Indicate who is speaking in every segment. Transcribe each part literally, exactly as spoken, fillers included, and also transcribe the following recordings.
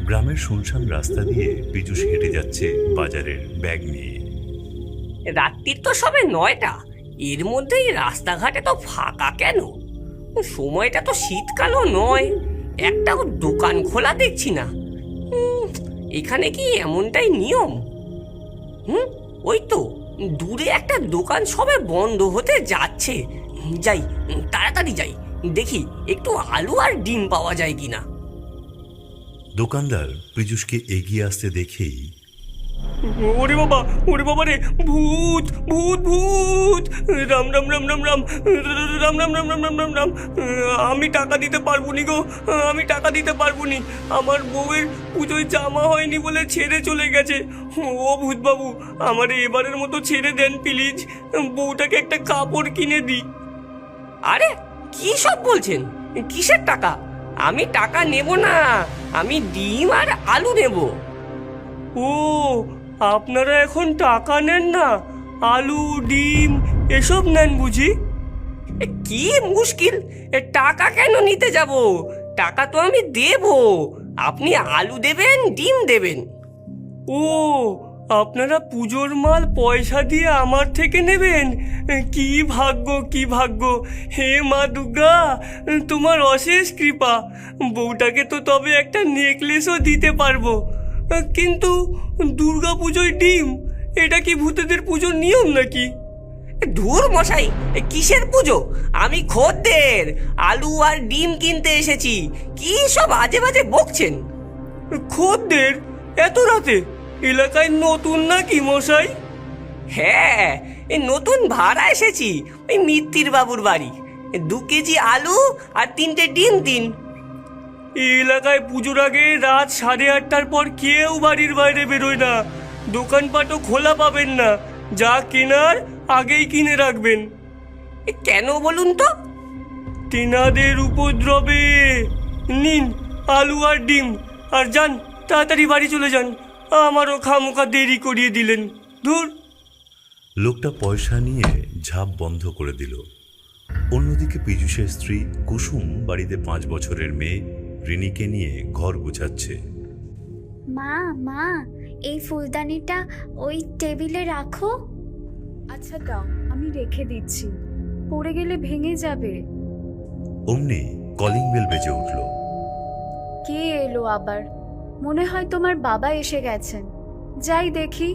Speaker 1: গ্রামের শুনশান রাস্তা দিয়ে পীযূষ হেঁটে যাচ্ছে বাজারের ব্যাগ নিয়ে।
Speaker 2: রাত্রির তো সবে নয়টা, এর মধ্যেই রাস্তাঘাটে তো ফাঁকা কেন? সময়টা তো শীতকালও নয়, একটাও দোকান খোলা দেখছি না। উম, এখানে কি এমনটাই নিয়ম? হুম, ওই তো দূরে একটা দোকান সবে বন্ধ হতে যাচ্ছে। যাই, তাড়াতাড়ি যাই, দেখি একটু আলু আর ডিম পাওয়া যায় কিনা।
Speaker 1: দোকানদার পীযূষকে এগিয়ে আসতে দেখেই,
Speaker 2: ওরে বাবা, ওরে বাবা রে, ভূত ভূত ভূত, রাম রাম রাম রাম রাম রাম রাম রাম রাম রাম রাম রাম। আমি টাকা দিতে পারবো নি গো, আমি টাকা দিতে পারবো নি। আমার বউয়ের পুজোয় জামা হয়নি বলে ছেড়ে চলে গেছে। ও ভূত বাবু, আমার এবারের মতো ছেড়ে দেন প্লিজ, বউটাকে একটা কাপড় কিনে দিই। আরে কি সব বলছেন? কিসের টাকা? আমি টাকা নেব না, আমি ডিম আর আলু নেব। ও, আপনারা এখন টাকা নেন না, আলু ডিম এসব নেন বুঝি? কি মুশকিল, টাকা কেন নিতে যাব? টাকা তো আমি দেব, আপনি আলু দেবেন ডিম দেবেন। ও, আপনারা পুজোর মাল পয়সা দিয়ে আমার থেকে নেবেন? কি ভাগ্য, কি ভাগ্য! হে মা দুর্গা, তোমার অশেষ কৃপা। বউটাকে তো তবে একটা নেকলেসও দিতে পারবো, কিন্তু দুর্গা পুজোয় ডিম, এটা কি ভূতেদের পুজোর নিয়ম নাকি? ধুর মশাই, কিসের পুজো? আমি খদ্দের, আলু আর ডিম কিনতে এসেছি। কি সব আজে বাজে বকছেন? খদ্দের এত রাতে? এলাকায় নতুন নাকি মশাই? হ্যাঁ, এই নতুন ভাড়া এসেছি, ওই মিত্তির বাবুর বাড়ি। দু কেজি আলু আর তিনটে ডিম দিন। এই এলাকায় পুজোর আগে রাত সাড়ে আটটার পর কেউ বাড়ির বাইরে বেরোয় না, দোকানপাটও খোলা পাবেন না। যা কেনার আগেই কিনে রাখবেন। কেন বলুন তো? তেনাদের উপদ্রবে। নিন আলু আর ডিম, আর যান তাড়াতাড়ি বাড়ি চলে যান, আমারও খামোখা দেরি করিয়ে দিলেন। ধুর।
Speaker 1: লোকটা পয়সা নিয়ে ঝাঁপ বন্ধ করে দিল। অন্যদিকে পীযূষের স্ত্রী কুসুম বাড়িতে পাঁচ বছরের মেয়ে রিনিকে নিয়ে ঘর গুছাচ্ছে।
Speaker 3: মা মা, এই ফুলদানিটা ওই টেবিলে রাখো।
Speaker 4: আচ্ছা দাও, আমি রেখে দিচ্ছি, পড়ে গেলে ভেঙে যাবে।
Speaker 1: অমনি কলিং বেল বেজে উঠল।
Speaker 4: কে এলো আবার? মনে হয় তোমার বাবা এসে গেছেন, যাই দেখি।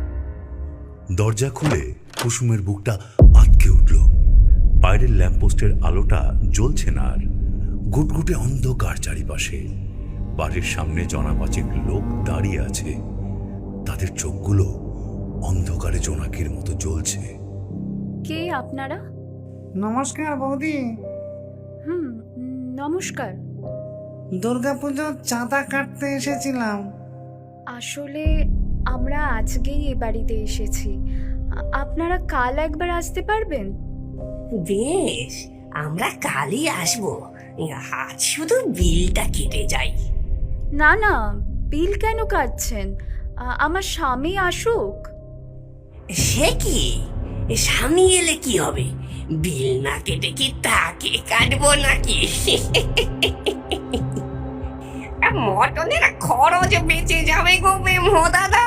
Speaker 1: দরজা খুলে কুসুমের বুকটা আটকে উঠল। বাইরের ল্যাম্পপোস্টের আলোটা জ্বলছে না আর, গুটগুটে অন্ধকার চারিপাশে। বাড়ির সামনে জনাপাঁচেক লোক দাঁড়িয়ে আছে, তাদের চোখগুলো অন্ধকারে জোনাকির মতো জ্বলছে।
Speaker 4: কে আপনারা?
Speaker 5: নমস্কার বৌদি।
Speaker 4: হুম, নমস্কার।
Speaker 5: দুর্গাপুজোর চাঁদা কাটতে এসেছিলাম।
Speaker 4: আসলে আমরা আজকেই এ বাড়িতে এসেছি, আ- আপনারা কাল একবার আসতে পারবেন?
Speaker 2: বেশ, আমরা কালই আসবো, আজ শুধু বিলটা কেটে যাই।
Speaker 4: না না, বিল কেন কাটছেন? আ- আমার স্বামী আসুক।
Speaker 2: সে কি, স্বামী এলে কি হবে? বিল না কেটে কি তাকে কাটবো নাকি? মটনের খরচ বেঁচে যাবে গো বেমো দাদা।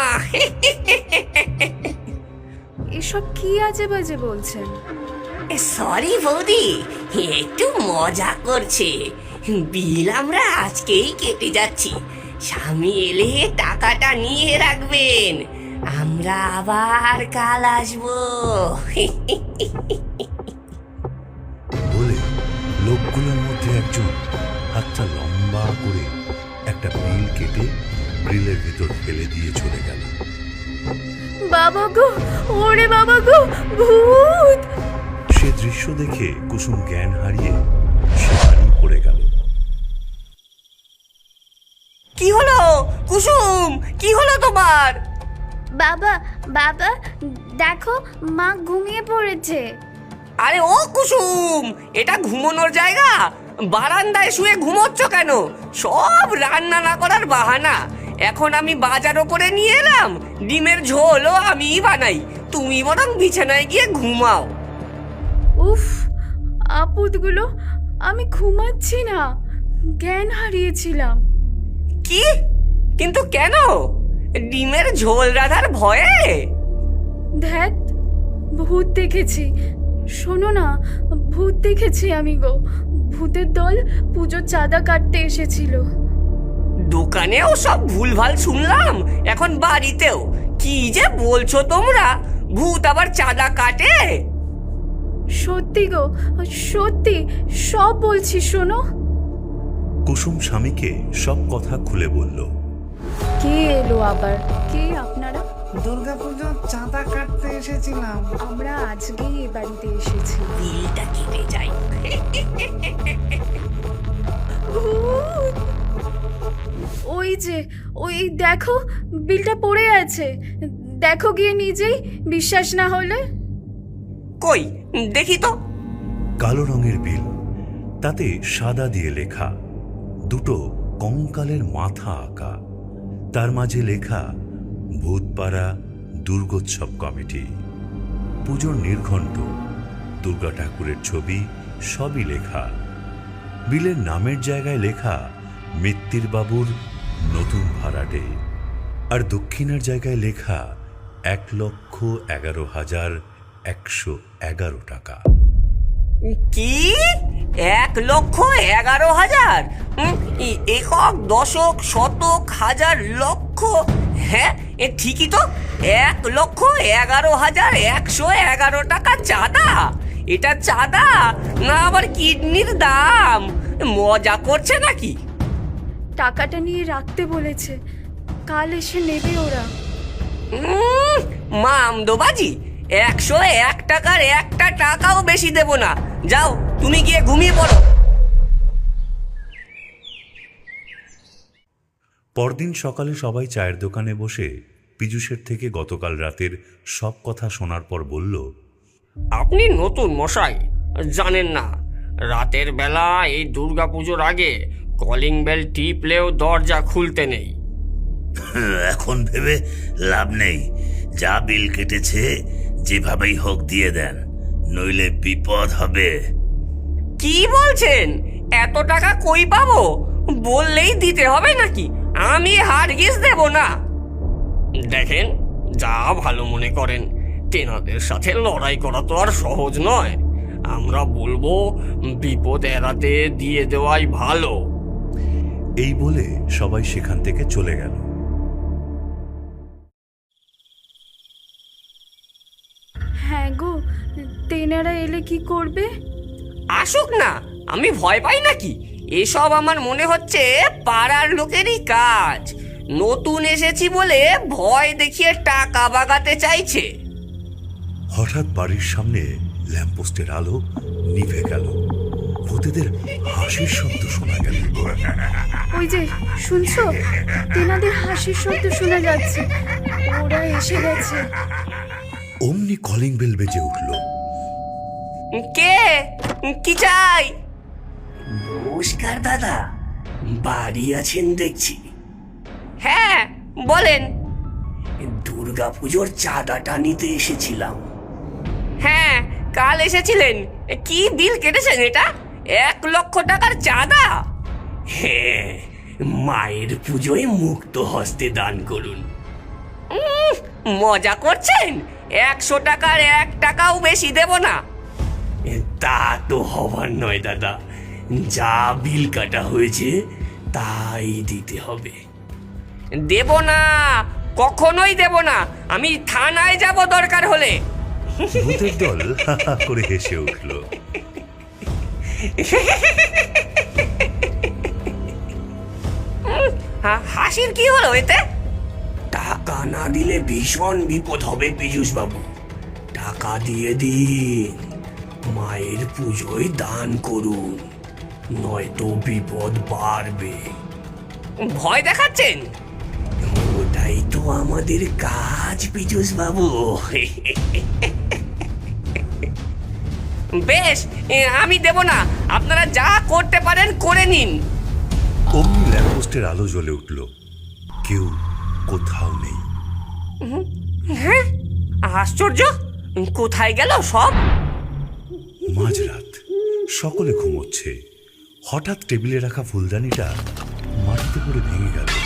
Speaker 4: এসব কি আজে বাজে বলছেন?
Speaker 2: সরি বৌদি, একটু মজা করছে। বিল আমরা আজকেই কেটে যাচ্ছি, স্বামী এলে টাকাটা নিয়ে রাখবেন, আমরা আবার কাল আসবো।
Speaker 1: বলে লোকগুলোর মধ্যে একজন হাতটা লম্বা করে একটা বিল কেটে গ্রিলের ভিতর ফেলে দিয়ে চলে গেল।
Speaker 4: বাবা গো, ওরে বাবা গো, ভূত!
Speaker 1: সে দৃশ্য দেখে কুসুম জ্ঞান হারিয়ে সেখানেই পড়ে গেল।
Speaker 2: কি হলো কুসুম, কি হলো তোমার?
Speaker 3: বাবা বাবা, দেখো মা ঘুমিয়ে পড়েছে।
Speaker 2: আরে ও কুসুম, এটা ঘুমানোর জায়গা? বারান্দায় শুয়ে ঘুমোচ্ছ কেন? সব রান্না না করার বাহানা। এখন আমি বাজারও করে নিয়ে এলাম, ডিমের ঝোলও আমিই বানাই, তুমি বরং বিছানায় গিয়ে ঘুমাও।
Speaker 4: উফ, আপদগুলো, আমি ঘুমাচ্ছি না, জ্ঞান হারিয়েছিলাম।
Speaker 2: কি? কিন্তু কেন? ডিমের ঝোল রাধার ভয়ে?
Speaker 4: ধ্যাত, ভূত দেখেছি। শোনো না, ভূত দেখেছি আমি গো। ভূতের দল পুজোর চাঁদা কাটতে এসেছিল।
Speaker 2: দোকানেও সব ভুলভাল শুনলাম, এখন বাড়িতেও। কি যে বলছো তোমরা? ভূত আবার চাঁদা কাটে?
Speaker 4: সত্যি গো, সত্যি সব বলছি, শোনো।
Speaker 1: কুসুম স্বামীকে সব কথা খুলে বলল।
Speaker 4: কে এলো আবার? কে আপনারা?
Speaker 5: দুর্গাপুজোর চাঁদা কাটতে এসেছিলাম।
Speaker 4: আমরা আজকেই এ বাড়িতে এসেছি।
Speaker 2: বিলটা কেটে যাই।
Speaker 4: ভূত! ওই যে, ওই দেখো, বিলটা পড়ে আছে। দেখো গিয়ে নিজেই, বিশ্বাস না হলে।
Speaker 2: কই দেখি তো।
Speaker 1: কালো রঙের বিল, তাতে সাদা দিয়ে লেখা, দুটো কঙ্কালের মাথা আঁকা, তার মাঝে লেখা ভূতপাড়া দুর্গোৎসব কমিটি। পুজোর নির্ঘণ্ট, দুর্গা ঠাকুরের ছবি সবই লেখা। বিলের নামের জায়গায় লেখা মিত্তির বাবুর নতুন ভাড়াটে, আর দক্ষিণের জায়গায় লেখা এক লক্ষ এগারো হাজার একশো এগারো টাকা।
Speaker 2: কি? এক লক্ষ এগারো হাজার? উম, এ- একক, দশক, শতক, হাজার, লক্ষ। হ্যাঁ, এ ঠিকই তো। এক লক্ষ এগারো হাজার একশো এগারো টাকা চাঁদা। এটা চাঁদা না আবার কিডনির দাম? মজা করছে নাকি?
Speaker 4: টাকাটা নিয়ে রাখতে বলেছে, কাল এসে নেবে ওরা।
Speaker 2: উম, মামদোবাজি। একশো এক টাকার একটা টাকাও বেশি দেব না। যাও, তুমি গিয়ে ঘুমিয়ে পড়ো।
Speaker 1: পরদিন সকালে সবাই চায়ের দোকানে বসে পীযূষের থেকে গতকাল রাতের সব কথা শোনার পর বলল,
Speaker 2: আপনি নতুন মশাই, জানেন না রাতের বেলা এই দুর্গাপুজোর আগে কলিং বেল টিপলেও দরজা খুলতে নেই।
Speaker 6: এখন ভেবে লাভ নেই। যা বিল কেটেছে যেভাবেই হোক দিয়ে দেন, নইলে বিপদ হবে।
Speaker 2: কি বলছেন? এত টাকা কই পাবো? বললেই দিতে হবে নাকি? আমি হারগিজ দেব না। দেখেন, যা ভালো মনে করেন। তেনাদের সাথে লড়াই করা তো আর সহজ নয়। আমরা বলবো বিপদ এড়াতে দিয়ে দেওয়াই ভালো।
Speaker 1: এই বলে সবাই সেখান থেকে চলে গেল।
Speaker 4: হ্যাঁ গো, তেনারা এলে কি করবে?
Speaker 2: আসুক না, আমি ভয় পাই নাকি? এসব আমার মনে হচ্ছে পাড়ার লোকেরই কাজ। নতুন এসেছি বলে ভয় দেখিয়ে টাকা বাগাতে চাইছে।
Speaker 1: হঠাৎ বাড়ির সামনে ল্যাম্পপোস্টের আলো নিভে গেল। ভূতেদের হাসির শব্দ শোনা গেল।
Speaker 4: ওই যে, শুনছো? তেনাদের হাসির শব্দ শোনা যাচ্ছে। ওরা এসে গেছে।
Speaker 1: অমনি কলিং বেল বেজে উঠল।
Speaker 2: কে? কি চাই?
Speaker 6: নমস্কার দাদা, বাড়ি আছেন দেখছি।
Speaker 2: হ্যাঁ, বলেন।
Speaker 6: দুর্গাপুজোর চাঁদাটা নিতে এসেছিলাম।
Speaker 2: হ্যাঁ, কাল এসেছিলেন। কি বিল কেটেছেন এটা? এক লক্ষ টাকার চাঁদা?
Speaker 6: হ্যাঁ, মায়ের পুজোয় মুক্ত হস্তে দান করুন।
Speaker 2: উম, মজা করছেন? একশো টাকার এক টাকাও বেশি দেব না।
Speaker 6: তা তো হবার নয় দাদা, যা বিল কাটা হয়েছে তাই দিতে হবে।
Speaker 2: দেব না, কখনোই দেব না। আমি থানায় যাব দরকার হলে।
Speaker 1: ভূতের দল হা হা করে হেসে উঠল।
Speaker 2: হা- হাসির কি হলো এতে?
Speaker 6: টাকা না দিলে ভীষণ বিপদ হবে পীযূষ বাবু। টাকা দিয়ে দিন, মায়ের পুজোয় দান করুন, নয়তো বিপদ বাড়বে।
Speaker 2: ভয় দেখাচ্ছেন?
Speaker 6: ওটাই তো আমাদের কাজ পীযূষ বাবু।
Speaker 2: বেশ, এ, আমি দেব না। আপনারা যা করতে পারেন করে নিন।
Speaker 1: অমনি ল্যাম্পপোস্টের আলো জ্বলে উঠল। কেউ কোথাও নেই।
Speaker 2: হ্যাঁ, আশ্চর্য। কোথায় গেল সব?
Speaker 1: মাঝরাত, সকলে ঘুমোচ্ছে। হঠাৎ টেবিলে রাখা ফুলদানিটা মাটিতে পড়ে ভেঙে গেল।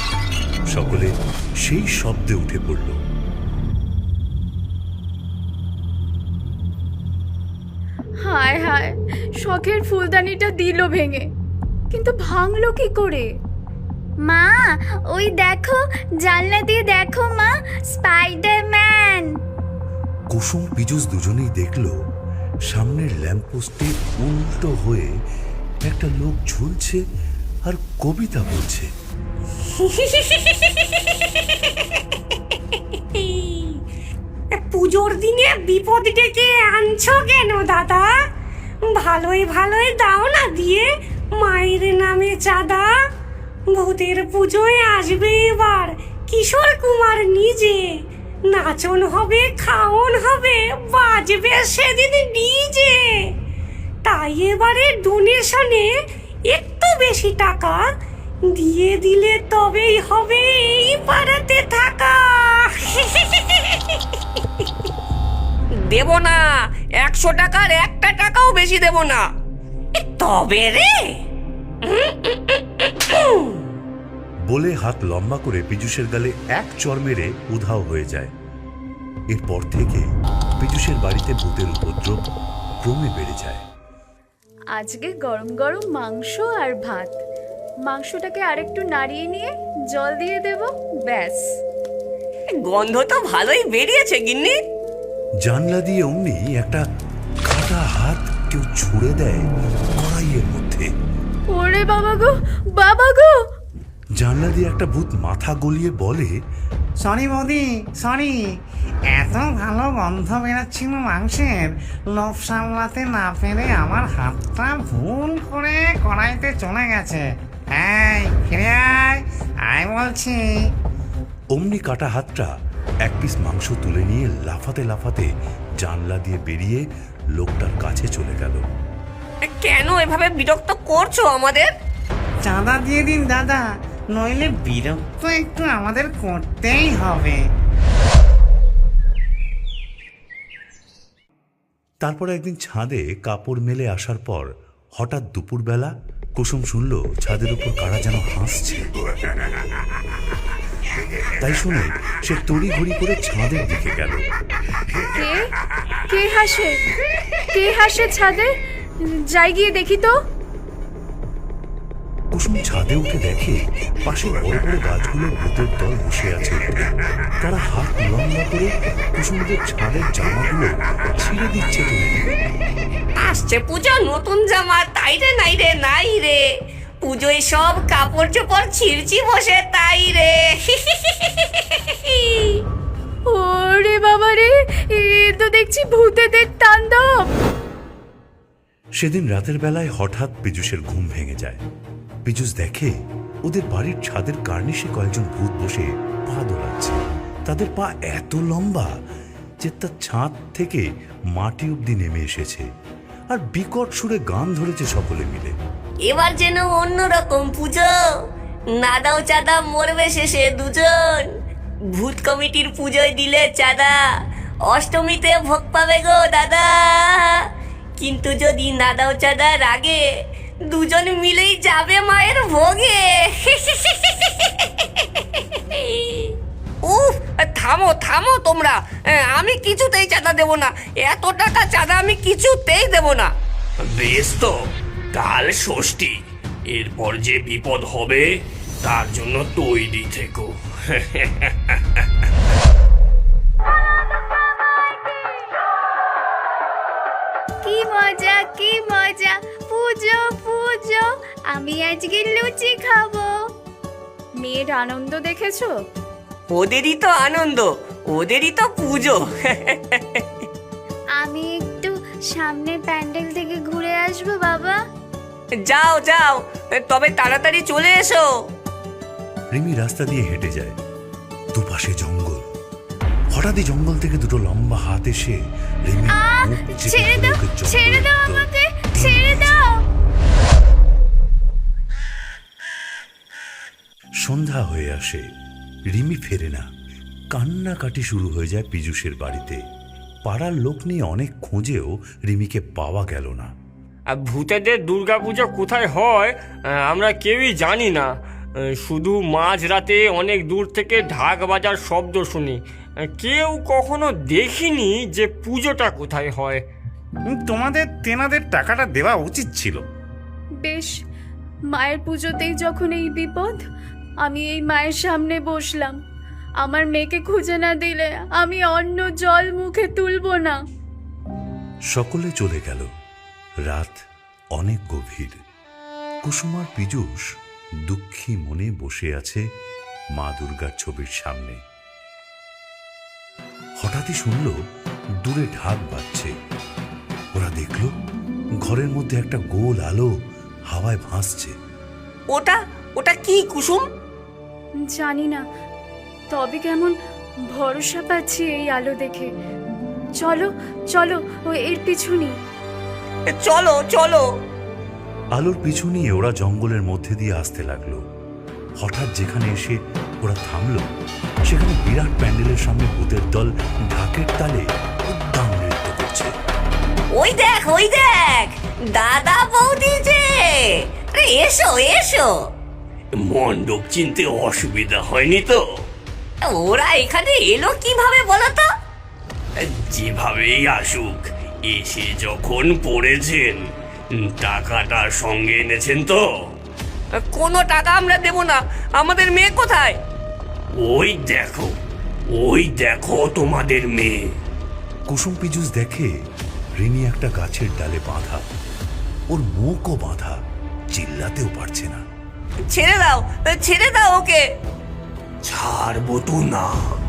Speaker 1: সকলে সেই শব্দে উঠে পড়ল।
Speaker 4: হায় হায়, শখের ফুলদানিটা দিল ভেঙে, কিন্তু ভাঙলো কি করে?
Speaker 3: মা ওই দেখো, জানলা দিয়ে দেখো মা, স্পাইডারম্যান।
Speaker 1: কুসুম পীযূষ দুজনেই দেখল সামনের ল্যাম্পপোস্টে উল্টো হয়ে একটা লোক ঝুলছে আর কবিতা বলছে।
Speaker 7: পুজোর দিনে বিপদ ডেকে আনছো কেন দাদা? ভালোই ভালোই দাও না দিয়ে মায়ের নামে চাঁদা। ভূতের পুজোয় আসবে এবার কিশোর কুমার নিজে, নাচন হবে, খাওন হবে, বাজবে সেদিন ডিজে। তাই এবারে ডোনেশনে একটু বেশি টাকা দিয়ে দিলে তবেই হবে এই পাড়াতে থাকা।
Speaker 2: দেব না, একশো টাকার একটা টাকাও বেশি দেব না।
Speaker 7: তবে রে,
Speaker 1: বলে হাত লম্বা করে পীযূষের গালে এক চড় মেরে উধাও হয়ে যায়। এরপর থেকে পীযূষের বাড়িতে ভূতের উপদ্রব ক্রমে বেড়ে যায়।
Speaker 4: আজকে গরম গরম মাংস আর ভাত। মাংসটাকে আরেকটু নাড়িয়ে নিয়ে জল দিয়ে দেব, ব্যাস।
Speaker 2: গন্ধ তো ভালোই বেরিয়েছে গিন্নি।
Speaker 1: জানলা দিয়ে অমনি একটা কাটা হাত কেউ ছুঁড়ে দেয় কড়াইয়ের মধ্যে।
Speaker 4: ওরে বাবা গো, বাবা গো!
Speaker 1: জানলা দিয়ে একটা ভূত মাথা গলিয়ে বলে,
Speaker 5: সরি বৌদি, সরি। এত ভালো গন্ধ বেরোচ্ছিল মাংসের, লোভ সামলাতে না পেরে আমার হাতটা ভুল করে কড়াইতে চলে গেছে। এই ফিরে আয়, আয় বলছি।
Speaker 1: অমনি কাটা হাতটা এক পিস মাংস তুলে নিয়ে লাফাতে লাফাতে জানলা দিয়ে বেরিয়ে লোকটার কাছে চলে গেল।
Speaker 2: কেন এভাবে বিরক্ত করছো আমাদের?
Speaker 5: চাঁদা দিয়ে দিন দাদা, নইলে বিরক্ত একটু আমাদের করতেই হবে।
Speaker 1: তারপর একদিন ছাদে কাপড় মেলে আসার পর হঠাৎ দুপুরবেলা কুসুম শুনল ছাদের উপর কারা যেন হাসছে। তাই শুনে সে তড়ি ঘড়ি করে ছাদের দিকে গেল।
Speaker 4: কে কে হাসে? কে হাসে ছাদে? যাই গিয়ে দেখি তো।
Speaker 1: কুসুম ছাদে উঠে দেখে পাশে বড় বড় গাছগুলো ভূতের দল বসে আছে। তারা হাত লম্বা করে কুসুমদের ছাদের জামাগুলো ছিঁড়ে দিচ্ছে টেনে।
Speaker 2: আসছে পুজো, নতুন জামা, তাই রে নাই রে নাই রে। পুজোয় সব কাপড় চোপড় ছিঁড়ছি বসে, তাই রে।
Speaker 4: ওরে বাবা রে, এ তো দেখছি ভূতেদের তাণ্ডব।
Speaker 1: সেদিন রাতের বেলায় হঠাৎ পীযূষের ঘুম ভেঙে যায়। পীযূষ দেখে ওদের বাড়ির ছাদের কার্নিশে কয়েকজন ভূত বসে পা দোলাচ্ছে। তাদের পা এত লম্বা যে তার ছাদ থেকে মাটি অব্দি নেমে এসেছে, আর বিকট সুরে গান ধরেছে সকলে মিলে।
Speaker 2: এবার যেন অন্যরকম পুজো, নাদাও চাঁদা মরবে শেষে দুজন। ভূত কমিটির পুজোয় দিলে চাঁদা, অষ্টমীতে ভোগ পাবে গো দাদা। কিন্তু যদি নাদাও চাঁদার আগে দুজন মিলেই যাবে মায়ের ভোগে। উফ, থামো থামো তোমরা, আমি কিছুতেই চাঁদা দেব না। এত টাকা চাঁদা আমি কিছুতেই দেব না।
Speaker 8: বেশ তো, কাল ষষ্ঠী, এরপর যে বিপদ হবে তার জন্য তৈরি থেকো।
Speaker 3: কি মজা, কি মজা! পুজো পুজো, আমি আজকে লুচি খাবো।
Speaker 4: মেয়ের আনন্দ দেখেছো?
Speaker 2: ওদেরই তো আনন্দ, ওদেরই তো পুজো।
Speaker 3: আমি একটু সামনে প্যান্ডেল থেকে ঘুরে আসবো বাবা।
Speaker 2: যাও যাও, তবে তাড়াতাড়ি চলে এসো।
Speaker 1: রিমি রাস্তা দিয়ে হেঁটে যায়। দুপাশে জঙ্গল। হঠাৎই জঙ্গল থেকে দুটো লম্বা হাত এসে রিমি
Speaker 3: আহ,
Speaker 1: মুখ চেপে
Speaker 3: ছেড়ে
Speaker 1: ধরে
Speaker 3: দাও,
Speaker 1: ওকে জঙ্গলের
Speaker 3: ছেড়ে দাও
Speaker 1: ভিতর
Speaker 3: আমাকে,
Speaker 1: টেনে
Speaker 3: ছেড়ে
Speaker 1: নিয়ে
Speaker 3: দাও।
Speaker 1: যায়। সন্ধ্যা হয়ে আসে, রিমি ফেরে না। কান্নাকাটি শুরু হয়ে যায় পীযূষের বাড়িতে। পাড়ার লোক নিয়ে অনেক খোঁজেও রিমিকে পাওয়া গেল না।
Speaker 9: আর ভূতেদের দুর্গাপূজা কোথায় হয় আমরা কেউই জানি না।
Speaker 2: শুধু মাঝরাতে অনেক দূর থেকে ঢাক বাজার শব্দ শুনি, কেউ কখনো দেখিনি যে পুজোটা কোথায় হয়।
Speaker 5: তোমাদের তেনাদের টাকাটা দেওয়া উচিত ছিল।
Speaker 4: বেশ, মায়ের পুজোতেই যখন এই বিপদ, আমি এই মায়ের সামনে বসলাম। আমার মেয়েকে খুঁজে না দিলে আমি অন্য জল মুখে তুলবো না।
Speaker 1: সকলে চলে গেল। রাত অনেক গভীর। কুসুমার পীযূষ দুঃখী মনে বসে আছে মা দুর্গার ছবির সামনে। হঠাৎই শুনল দূরে ঢাক বাজছে। ওরা দেখল ঘরের মধ্যে একটা গোল আলো হাওয়ায় ভাসছে।
Speaker 2: ওটা ওটা কি কুসুম?
Speaker 4: জানি না, তবে কেমন ভরসা পাচ্ছি এই আলো দেখে। চলো চলো, ও এর পিছুনি।
Speaker 2: চলো চলো।
Speaker 1: আলোর পিছু নিয়ে ওরা জঙ্গলের মধ্যে দিয়ে আসতে লাগলো। হঠাৎ যেখানে এসে ওরা থামলো, সেখানে বিরাট প্যান্ডেলের সামনে ভূতের দল ঢাকের তালে উদ্দাম নৃত্য করছে।
Speaker 7: ওই দেখ ওই দেখ, দাদা বৌদি যে, আরে এসো এসো।
Speaker 8: মণ্ডপ চিনতে অসুবিধা হয়নি তো?
Speaker 7: ওরা এখানে এলো কিভাবে বলো তো?
Speaker 8: যেভাবেই আসুক, এসে যখন পড়েছেন, টাকাটা সঙ্গে এনেছেন তো?
Speaker 2: কোনো টাকা আমরা দেব না, আমাদের মেয়ে কোথায়?
Speaker 8: ওই দেখো, ওই দেখো তোমাদের মেয়ে।
Speaker 1: কুসুম পীযূষ দেখে রিনি একটা গাছের ডালে বাঁধা, ওর মুখও বাঁধা, চিল্লাতেও পারছে না।
Speaker 2: ছেড়ে দাও, ছেড়ে দাও ওকে।
Speaker 8: ছাড়বো তো না।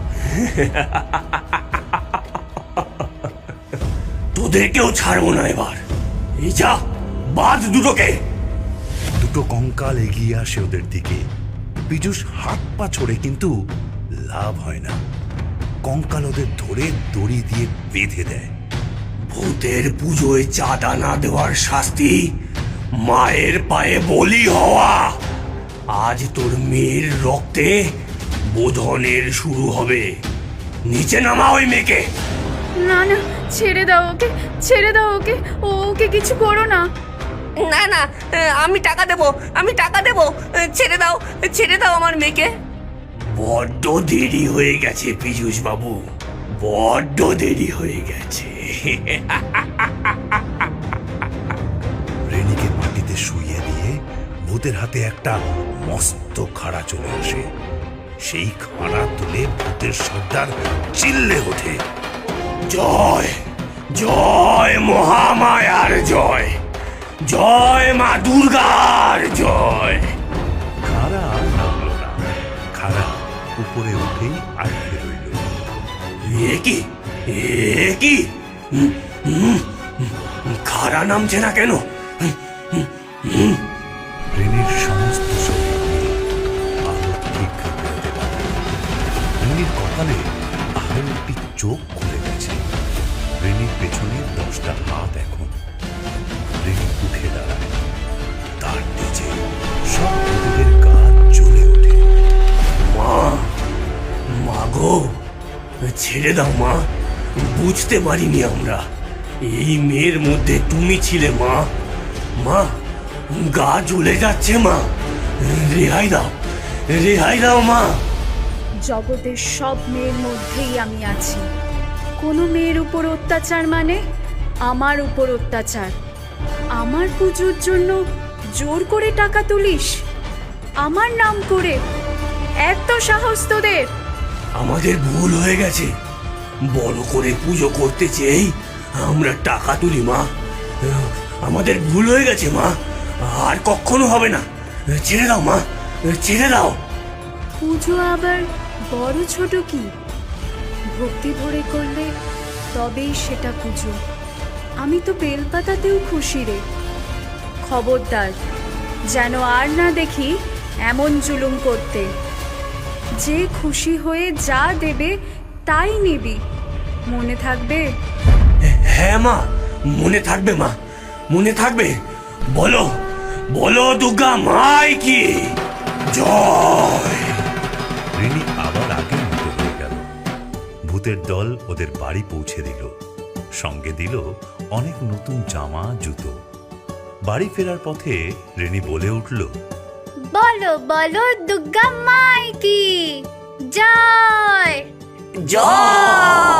Speaker 8: তোদেরকেও ছাড়বো না এবার। এই যা, বাদ দুটোকে।
Speaker 1: দুটো কঙ্কাল এগিয়ে আসে ওদের দিকে। পীযূষ হাত পা ছোড়ে, কিন্তু লাভ হয় না। কঙ্কাল ওদের ধরে দড়ি দিয়ে বেঁধে দেয়।
Speaker 8: ভূতের পুজোয় চাঁদা না দেওয়ার শাস্তি মায়ের পায়ে বলি হওয়া। আজ তোর মেয়ের রক্তে বোধনের শুরু হবে। নিচে নামা ওই মেয়েকে।
Speaker 4: না না, ছেড়ে দাও ওকে, ছেড়ে দাও ওকে, ও ওকে কিছু করো না।
Speaker 2: না না, আমি টাকা দেব, আমি টাকা দেব, ছেড়ে দাও, ছেড়ে দাও আমার মেয়েকে।
Speaker 8: বড্ড দেরি হয়ে গেছে পীযূষ বাবু, বড্ড দেরি হয়ে গেছে।
Speaker 1: রেনিকে মাটিতে শুইয়ে দিয়ে ভূতের হাতে একটা মস্ত খাড়া চলে আসে। সেই খাড়া তুলে ভূতের সর্দার চিল্লে ওঠে,
Speaker 8: জয় জয় মহামায়ার জয়, জয় মা দুর্গার জয়।
Speaker 1: খাড়া আর নামল না। খাড়া উপরে উঠেই আটকে রইল।
Speaker 8: এ কি, এ কি, হুম, হুম, খাড়া নামছে না কেন?
Speaker 1: রেনির সমস্ত শরীর আলো ঠিক করতে পারে। রেনির কপালে আরো একটি চোখ খুলে গেছে। রেনির পেছনে দশটা হাত এখন। রেনি উঠে দাঁড়ায়। তার নিচে সব ভূতেদের গা জ্বলে ওঠে।
Speaker 8: মা, মা গো, ছেড়ে দাও মা। বুঝতে পারিনি আমরা এই মেয়ের মধ্যে তুমি ছিলে মা। মা, গা জ্বলে যাচ্ছে মা, রেহাই দাও, রেহাই দাও মা।
Speaker 4: জগতের সব মেয়ের মধ্যেই আমি আছি। কোনো মেয়ের উপর অত্যাচার মানে আমার উপর অত্যাচার। আমার পুজোর জন্য জোর করে টাকা তুলিস, আমার নাম করে? এত সাহস তোদের!
Speaker 8: আমাদের ভুল হয়ে গেছে। বড় করে পুজো করতে চেয়েই আমরা টাকা তুলি মা। আমাদের ভুল হয়ে গেছে মা, আর কখনো হবে না। ছেড়ে দাও মা, ছেড়ে দাও।
Speaker 4: পুজো আবার বড় ছোট কি? ভক্তি ভরে করলে তবেই সেটা পুজো। আমি তো বেলপাতাতেও খুশি রে। খবরদার যেন আর না দেখি এমন জুলুম করতে। যে খুশি হয়ে যা দেবে তাই নিবি, মনে থাকবে?
Speaker 8: হ্যাঁ মা, মনে থাকবে মা, মনে থাকবে। বলো, বলো দুর্গা মাই কি জয়।
Speaker 1: রেনি আবার আগের মতো হয়ে গেল। ভূতের দল ওদের বাড়ি পৌঁছে দিল। সঙ্গে দিল অনেক নতুন জামা, জুতো। বাড়ি ফেরার পথে রেনি বলে উঠল,
Speaker 3: বলো বলো দুর্গা মাই কি জয়
Speaker 8: জয়